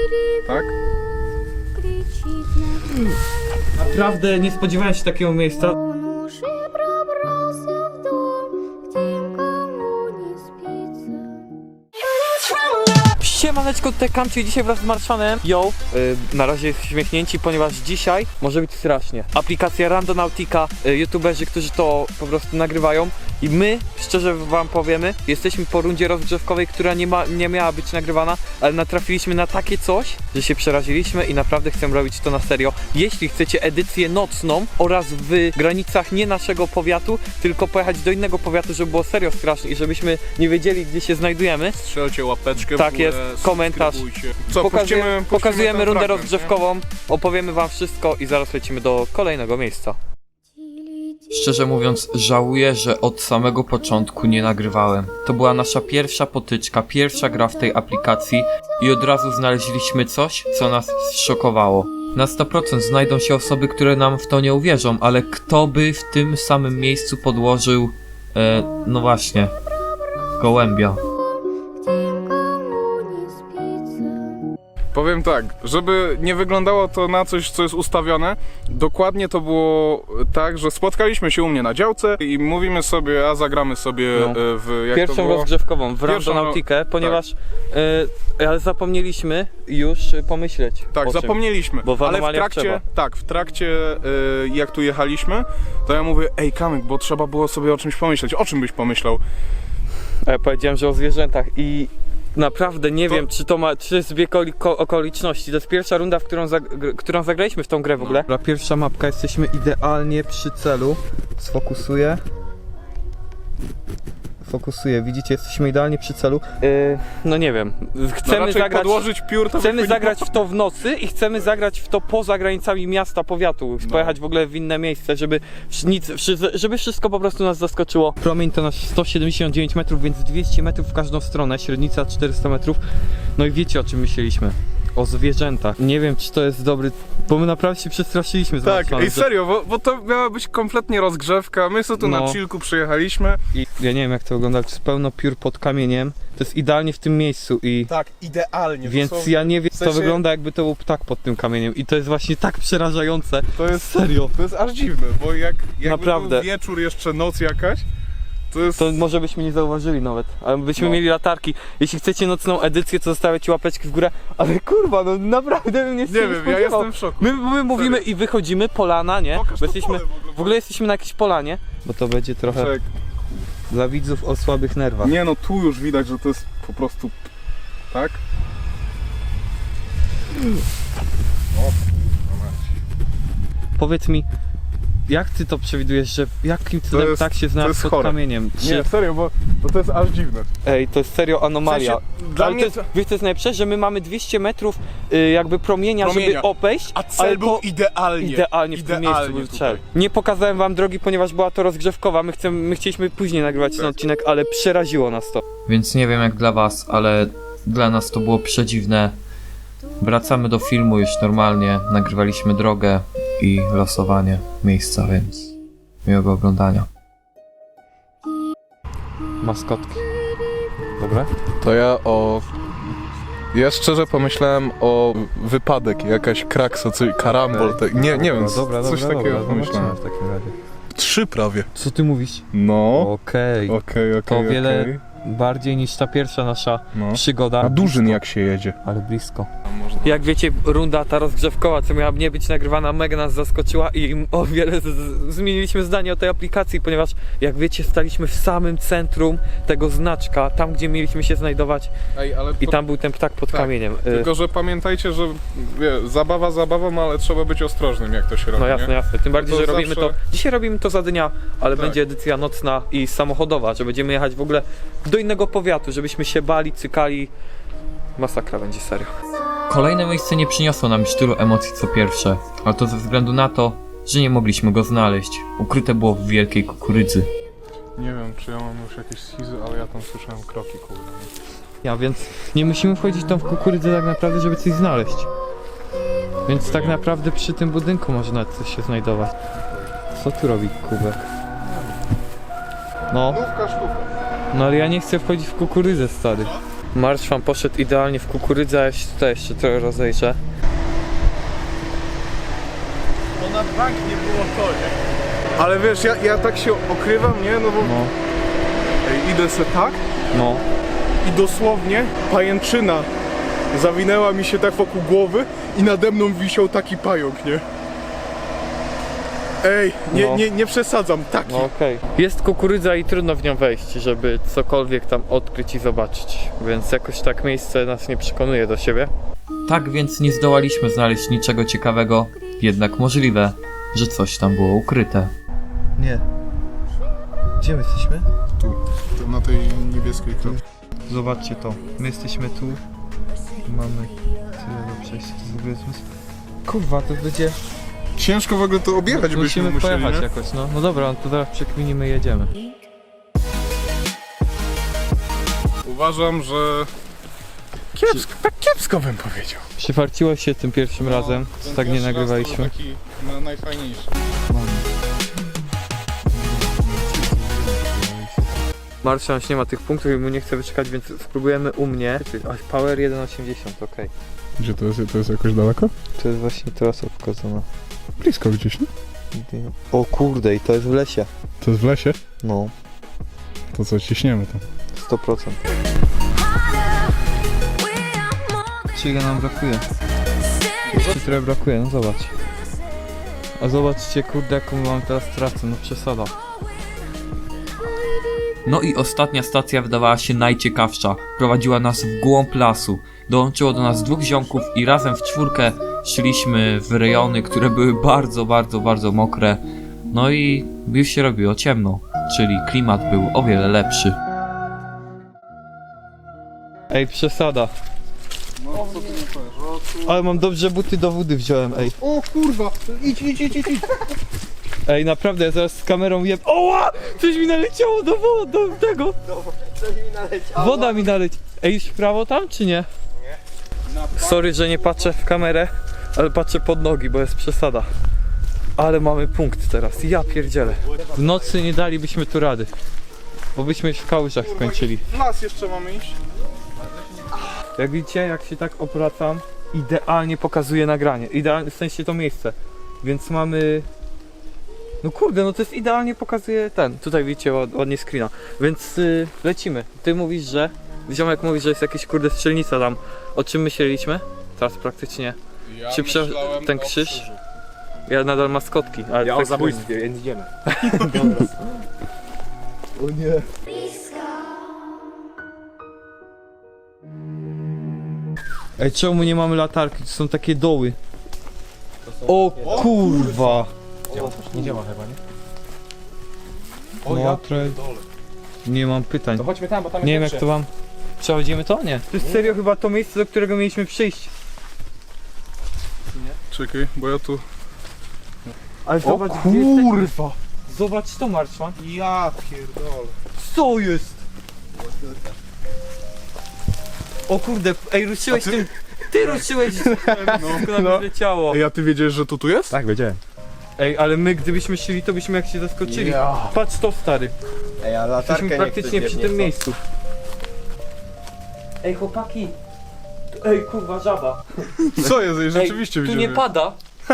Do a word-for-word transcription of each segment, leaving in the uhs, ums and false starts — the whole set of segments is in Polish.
Tak? Naprawdę nie spodziewałem się takiego miejsca. Он уже пробрался в дом, где никому не спится. Siemaneczko, tutaj Kamci, dzisiaj wraz z Marszanem. Yo, yy, na razie jest śmiechnięci, ponieważ dzisiaj może być strasznie. Aplikacja Randonautica, yy, youtuberzy, którzy to po prostu nagrywają. I my, szczerze wam powiemy, jesteśmy po rundzie rozgrzewkowej, która nie, ma, nie miała być nagrywana, ale natrafiliśmy na takie coś, że się przeraziliśmy i naprawdę chcemy robić to na serio. Jeśli chcecie edycję nocną oraz w granicach nie naszego powiatu, tylko pojechać do innego powiatu, żeby było serio strasznie i żebyśmy nie wiedzieli, gdzie się znajdujemy. Strzelcie łapeczkę. Tak w górę, jest, komentarz. Co, Pokazuje, puścimy, puścimy pokazujemy ten rundę fragment, rozgrzewkową, opowiemy wam wszystko i zaraz lecimy do kolejnego miejsca. Szczerze mówiąc, żałuję, że od samego początku nie nagrywałem. To była nasza pierwsza potyczka, pierwsza gra w tej aplikacji i od razu znaleźliśmy coś, co nas zszokowało. Na sto procent znajdą się osoby, które nam w to nie uwierzą, ale kto by w tym samym miejscu podłożył, e, no właśnie, gołębia. Powiem tak, żeby nie wyglądało to na coś, co jest ustawione, dokładnie to było tak, że spotkaliśmy się u mnie na działce i mówimy sobie, a zagramy sobie No. w jak Pierwszą to było? rozgrzewkową w Pierwszą, Randonautikę, ponieważ e, ale zapomnieliśmy już pomyśleć Tak, o czym. zapomnieliśmy, Bo w ale w anomaliach trakcie, trzeba. tak, w trakcie y, jak tu jechaliśmy, to ja mówię, ej Kamyk, bo trzeba było sobie o czymś pomyśleć, o czym byś pomyślał? A ja powiedziałem, że o zwierzętach i naprawdę nie To- wiem, czy to ma, czy jest zbieg oko- okoliczności. To jest pierwsza runda, w którą, zag- którą zagraliśmy w tą grę w ogóle. Dobra, pierwsza mapka, jesteśmy idealnie przy celu. Sfokusuję. Fokusuję, widzicie, jesteśmy idealnie przy celu. Yy, no nie wiem, No chcemy raczej zagrać... podłożyć piór, to Chcemy by zagrać w to w nocy i chcemy zagrać w to poza granicami miasta, powiatu. No. Pojechać w ogóle w inne miejsce, żeby nic, żeby wszystko po prostu nas zaskoczyło. Promień to nasz sto siedemdziesiąt dziewięć metrów, więc dwieście metrów w każdą stronę, średnica czterysta metrów. No i wiecie, o czym myśleliśmy. O zwierzętach. Nie wiem, czy to jest dobry, bo my naprawdę się przestraszyliśmy. z Tak, Marszanem, ej serio, bo, bo to miała być kompletnie rozgrzewka, my sobie tu No. na chillku przyjechaliśmy. I ja nie wiem, jak to wygląda, to jest pełno piór pod kamieniem. To jest idealnie w tym miejscu i... Tak, idealnie. Więc dosłownie. ja nie wiem, w sensie- to wygląda jakby to był ptak pod tym kamieniem i to jest właśnie tak przerażające. To jest, Serio. to jest aż dziwne, bo jak jakby Naprawdę. był wieczór, jeszcze noc jakaś, to jest... To może byśmy nie zauważyli nawet, ale byśmy No. mieli latarki. Jeśli chcecie nocną edycję, to zostawiacie łapeczki w górę, ale kurwa, no naprawdę bym nie Nie wiem, ja spodziewał. jestem w szoku. My, my mówimy i wychodzimy, polana, nie? Pokaż Bo to jesteśmy, pole w ogóle. w ogóle jesteśmy na jakiejś polanie. Bo to będzie trochę Czek. dla widzów o słabych nerwach. Nie no, tu już widać, że to jest po prostu... Tak? O, kurwa mać. Powiedz mi, jak ty to przewidujesz, że jakim cudem jest- tak się to znalazł jest pod chore. kamieniem? Czy... Nie, serio, bo, bo to jest aż dziwne. Ej, to jest serio anomalia. W sensie, dla Ale mnie to jest, wiesz co jest najlepsze, że my mamy dwieście metrów y, jakby promienia, Promienia. żeby obejść, A ale cel był to idealnie. idealnie w tym miejscu Idealnie był tutaj. cel. Nie pokazałem wam drogi, ponieważ była to rozgrzewkowa, my, chcemy, my chcieliśmy później nagrywać ten Tak. odcinek, ale przeraziło nas to. Więc nie wiem jak dla was, ale dla nas to było przedziwne. Wracamy do filmu już normalnie, nagrywaliśmy drogę i losowanie miejsca, więc miłego oglądania. Maskotki. Dobre? To ja o... Ja szczerze pomyślałem o wypadek, jakaś kraksa, coś, karambol, te... nie, nie wiem, coś takiego pomyślałem. w takim razie. Trzy prawie. Co ty mówisz? No, Okej, okej, okej, to okej. wiele bardziej niż ta pierwsza nasza No. przygoda. A Dużyn jak się jedzie. Ale blisko. Jak wiecie, runda ta rozgrzewkowa, co miała nie być nagrywana, mega nas zaskoczyła i o wiele z, z, zmieniliśmy zdanie o tej aplikacji, ponieważ jak wiecie, staliśmy w samym centrum tego znaczka, tam gdzie mieliśmy się znajdować Ej, ale i to... tam był ten ptak pod tak, kamieniem. Y, Tylko, że pamiętajcie, że wie, zabawa zabawą, ale trzeba być ostrożnym, jak to się robi, No jasne, nie? jasne. Tym bardziej, To że robimy zawsze- to. Dzisiaj robimy to za dnia, ale Tak. będzie edycja nocna i samochodowa, że będziemy jechać w ogóle do innego powiatu, żebyśmy się bali, cykali. Masakra będzie, serio. Kolejne miejsce nie przyniosło nam już tylu emocji co pierwsze, ale to ze względu na to, że nie mogliśmy go znaleźć. Ukryte było w wielkiej kukurydzy. Nie wiem, czy ja mam już jakieś schizy, ale ja tam słyszałem kroki, kurde. Ja więc nie musimy wchodzić tam w kukurydzę tak naprawdę, żeby coś znaleźć. Więc tak naprawdę przy tym budynku może nawet coś się znajdować. Co tu robi kubek? No, Nówka sztuka. no ale ja nie chcę wchodzić w kukurydzę, stary. Marszwan poszedł idealnie w kukurydzę, a ja się tutaj jeszcze trochę rozejrzę. To na bank nie było to, nie? Ale wiesz, ja, ja tak się okrywam, nie? No bo No, Ej, idę se tak no. i dosłownie pajęczyna zawinęła mi się tak wokół głowy i nade mną wisiał taki pająk, nie? Ej, nie, No. nie, nie przesadzam, taki. No okej. Jest kukurydza i trudno w nią wejść, żeby cokolwiek tam odkryć i zobaczyć. Więc jakoś tak miejsce nas nie przekonuje do siebie. Tak więc nie zdołaliśmy znaleźć niczego ciekawego, jednak możliwe, że coś tam było ukryte. Nie. Gdzie my jesteśmy? Tu, tu na tej niebieskiej kropce. Zobaczcie to. My jesteśmy tu. Mamy tyle do przejścia. To jest w ogóle zmysł. Kurwa, to będzie... Ciężko w ogóle to objechać byśmy Musimy musieli, pojechać nie? jakoś, no. No dobra, no to zaraz przekminimy i jedziemy. Uważam, że kiepsko, tak kiepsko bym powiedział. Przyfarciło się tym pierwszym razem, co tak nie nagrywaliśmy. Taki na, najfajniejszy. Marszan nie ma tych punktów i mu nie chce wyczekać, więc spróbujemy u mnie. Aż Power jeden osiemdziesiąt, okej. Gdzie to jest? To jest jakoś daleko? To jest właśnie trasa pokazana. Blisko gdzieś, nie? O kurde, i to jest w lesie. To jest w lesie? No, To co, ciśniemy tam. sto procent. Czego nam brakuje? Jeszcze trochę brakuje, no zobacz. A zobaczcie, kurde, jaką mam teraz trasę, no przesada. No i ostatnia stacja wydawała się najciekawsza. Prowadziła nas w głąb lasu. Dołączyło do nas dwóch ziomków i razem w czwórkę szliśmy w rejony, które były bardzo, bardzo, bardzo mokre. No i już się robiło ciemno, czyli klimat był o wiele lepszy. Ej, przesada. No, co ty nie powiesz? Ale mam dobrze buty do wody wziąłem, ej. O kurwa! Idź, idź, idź, idź! Ej, naprawdę, ja zaraz z kamerą jem. Oła! Coś mi naleciało do wody, do tego. Coś mi naleciało. Woda mi naleci. Ej, już w prawo tam, czy nie? Sorry, że nie patrzę w kamerę, ale patrzę pod nogi, bo jest przesada. Ale mamy punkt teraz, ja pierdzielę. W nocy nie dalibyśmy tu rady, bo byśmy już w kałużach skończyli. W las jeszcze mamy iść. Jak widzicie, jak się tak obracam, idealnie pokazuje nagranie. Idealnie, w sensie to miejsce. Więc mamy... No kurde, no to jest idealnie pokazuje ten. Tutaj widzicie ład- ładnie screena. Więc y, lecimy. Ty mówisz, że... Ziomek mówi, że jest jakieś kurde strzelnica tam. O czym myśleliśmy? Teraz praktycznie. Ja Czy prze- myślałem ten o krzyż? krzyżu. Ja nadal maskotki, ale Ja tak o zabójstwie, więc idziemy. O nie. Ej, czemu nie mamy latarki? To są takie doły. O kurwa! Nie działa chyba, nie? O, ja trochę... Nie mam pytań. To chodźmy tam, bo tam Nie jest wiem jak lepsze. to wam... Przechodzimy to? Nie. To jest serio chyba to miejsce, do którego mieliśmy przyjść. Czekaj, bo ja tu... Ale zobacz gdzie jesteśmy. Zobacz to, Marszwan. Ja pierdolę. Co jest? O kurde, ej, ruszyłeś tym... Ty ruszyłeś... No, no. leciało. Ej, a ty wiedziałeś, że to tu jest? Tak, wiedziałem. Ej, ale my gdybyśmy szli, to byśmy jak się zaskoczyli. Ja. Patrz to, stary. Ej, a latarkę Jesteśmy praktycznie przy tym miejscu. Ej, chłopaki. Tu- Ej, kurwa, żaba. Co jest? Ej, rzeczywiście Ej, tu widziałem. nie pada.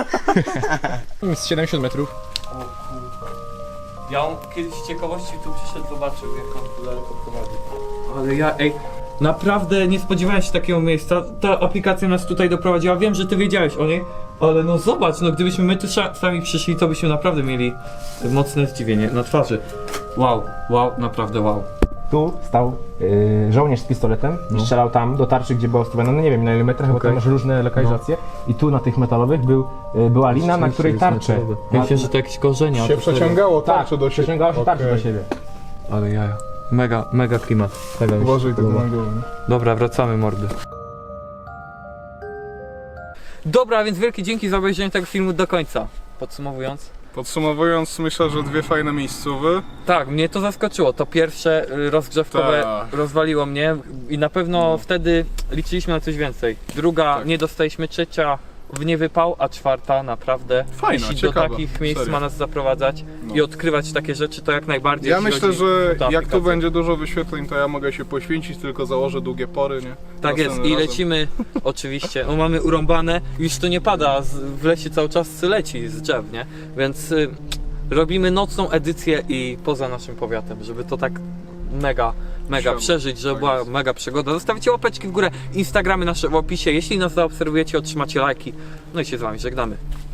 Z siedemdziesiąt metrów. Ja on kiedyś z ciekawości tu przyszedł, zobaczył jak on tu daleko prowadzi. Ale ja, ej, naprawdę nie spodziewałem się takiego miejsca. Ta aplikacja nas tutaj doprowadziła. Wiem, że ty wiedziałeś o niej, ale no zobacz, no gdybyśmy my tu sza- sami przyszli, to byśmy naprawdę mieli mocne zdziwienie na twarzy. Wow, wow, naprawdę wow. Tu stał y, żołnierz z pistoletem i strzelał tam do tarczy, gdzie była ustawiona, no nie wiem na ile metrach, bo Okej. tam masz różne lokalizacje. I tu na tych metalowych był, y, była lina, na której tarcze. Myślę, że to jakieś korzenia. Się to serio. przeciągało Tak, tarczę do siebie. przeciągało się tarcze Okej. do siebie. Ale jaja. Mega, mega klimat. Mega mi się Uważaj tak podoba. na głowę. Dobra, wracamy mordy. Dobra, więc wielkie dzięki za obejrzenie tego filmu do końca. Podsumowując. Podsumowując, myślę, że dwie fajne miejscowe. Tak, mnie to zaskoczyło. To pierwsze y, rozgrzewkowe Tak. rozwaliło mnie i na pewno wtedy liczyliśmy na coś więcej. Druga Tak. nie dostaliśmy, trzecia w niewypał, a czwarta naprawdę, Fajna, jeśli ciekawa, do takich miejsc serio. ma nas zaprowadzać No. i odkrywać takie rzeczy, to jak najbardziej. Ja jeśli myślę, chodzi że o tę jak tu aplikację. będzie dużo wyświetleń, to ja mogę się poświęcić, tylko założę długie pory, nie? Tak jest Następnym i razem. lecimy, oczywiście, no mamy urąbane, już to nie pada, z- w lesie cały czas leci z drzew, nie? Więc y, robimy nocną edycję i poza naszym powiatem, żeby to tak mega, mega Trzeba. przeżyć, żeby Tak była jest. mega przygoda. Zostawicie łapeczki w górę, Instagramy nasze w opisie, jeśli nas zaobserwujecie, otrzymacie lajki, no i się z wami żegnamy.